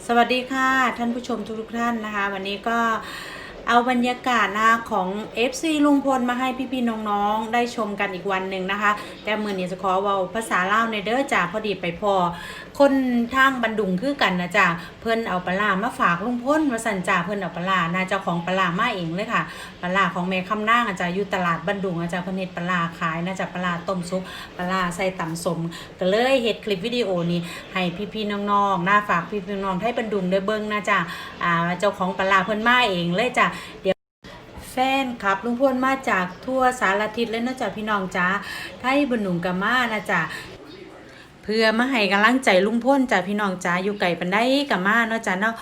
สวัสดีค่ะท่านผู้ชมทุกท่านนะคะวันนี้ก็เอาบรรยากาศนะของ FC ลุงพลมาให้พี่ๆน้องๆได้ชมกันอีกวันหนึ่งนะคะแต่มือนี้จะขอเว้าภาษาลาวในเด้อจ้าพอดีไปพอคนทางบันดุงคือกันนะจ้าเพิ่นเอาปลามาฝากลุงพลมาสั่นจ้าเพิ่นเอาปลาน่าเจ้าของปลามาเองเลยค่ะปลาของแม่คำนางอาจารย์อยู่ตลาดบันดุงอาจารย์เพิ่นเฮ็ดปลาขายน่าจะปลาต้มซุปปลาใส่ตำสมก็เลยเฮ็ดคลิปวิดีโอนี้ให้พี่ๆน้องๆน่าฝากพี่ๆน้องๆให้บันดุงได้เบิ่งนะจ้าเจ้าของปลาเพิ่นมาเองเลยจ้าแฟนครับลุงพลมาจากทั่วสารทิศเลยนะจ๊ะพี่น้องจ้าไทยบนหนุ่มกามานะจ๊ะเพื่อมาให้กำลังใจลุงพลจ้ะพี่น้องจ้าอยู่ไกลปันได้กามาเนาะจ้ะเนาะ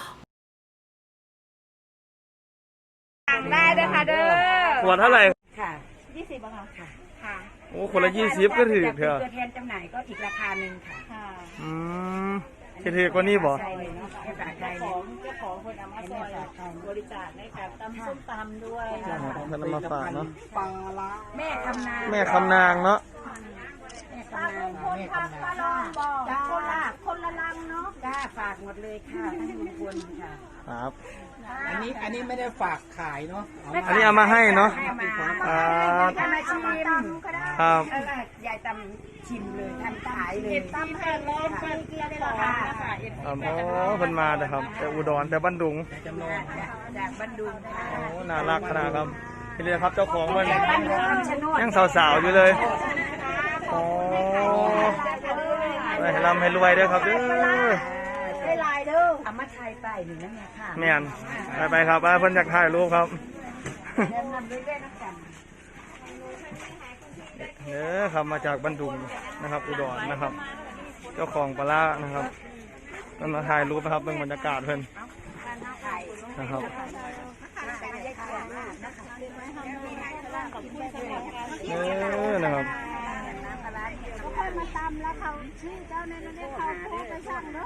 สั่งได้ด้วยค่ะเด้อขวดเท่าไหร่ค่ะ 20บาทค่ะค่ะโอ้คนละ20ก็ถือเถอะตัวแทนจำหน่ายก็อีกราคาหนึ่งค่ะค่ะอืมถือกว่านี้บ่ใช่เลยเนาะภาษาไทยเจ้าของคนเอามาซอยบริจาคในการตำส้มตำด้วยท่านเอามาฝากเนาะปลาละแม่คำนางแม่คำนางเนาะแม่คำนางคนทางปลาลองบอกจ้าคนละลังเนาะจ้าฝากหมดเลยค่ะทั้งลุงพลค่ะครับอันนี้ไม่ได้ฝากขายเนาะอันนี้เอามาให้เนาะให้มาครับให้มาชิมครับยายตำชิมเลยทำขายเลยตำแผ่นร้อนเป็นเกลือได้ราคานะคะครับโอ้เพิ่นมาเด้อครับแต่อุดรแต่บ้านดุงจำลองจากบันดุงค่ะโอ้น่ารักขนาดครับนี่เลยครับเจ้าของเพิ่นบันดุงคำชะโนดยังสาวๆอยู่เลยโอ้ให้ร่ำให้รวยเด้อครับเด้อได้ลายเด้อเอามาไทยไปหนึ่งนั่นไงค่ะแม่นไปครับเพิ่นอยากถ่ายรูปครับเดินนำด้วยนะจ๊ะเด้อครับมาจากบ้านดุงนะครับอุดรนะครับ เจ้าของปลาร้านะครับมันมาถ่ายรูปนะครับเป็นบรรยากาศเพิ่นนะครับนะครับทุกคนมาตำแล้วเขาชื่อเจ้าในนั้นได้เขาโค้ไปสั่งเนาะ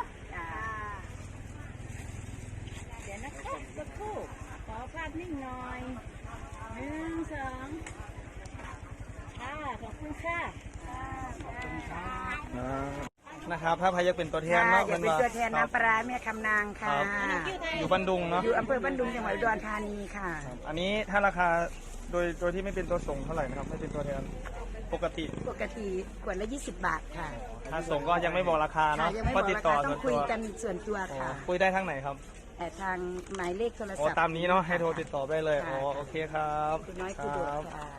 เดี๋ยวนะครับสักครู่ขอภาพนิ่งหน่อย1 2ค่ะขอบคุณค่ะนะครับถ้าพายักเป็นตัวแทนเนาะอย่าเป็นตัวแทนน้ำปลาแม่คำนางค่ะอยู่บ้านดุงเนาะอยู่อำเภอบ้านดุงจังหวัดอุดรธานีค่ะอันนี้ถ้าราคาโดยที่ไม่เป็นตัวส่งเท่าไหร่นะครับไม่เป็นตัวแทนปกติปกติขวดละ20 บาทค่ะถ้าส่งก็ยังไม่บอกราคาค่ะเนาะยังไม่บก็อกติดราต่อคาต้ส่อวงนคุตัยว กันส่วนตัวค่ะคุยได้ทางไหนครับแต่ทางหมายเลขโทรโอ้ศัพท์ตามนี้เนาะให้โทรติดต่อได้เลยค่ะโอเคครับคุณน้อยคือโดดค่ะ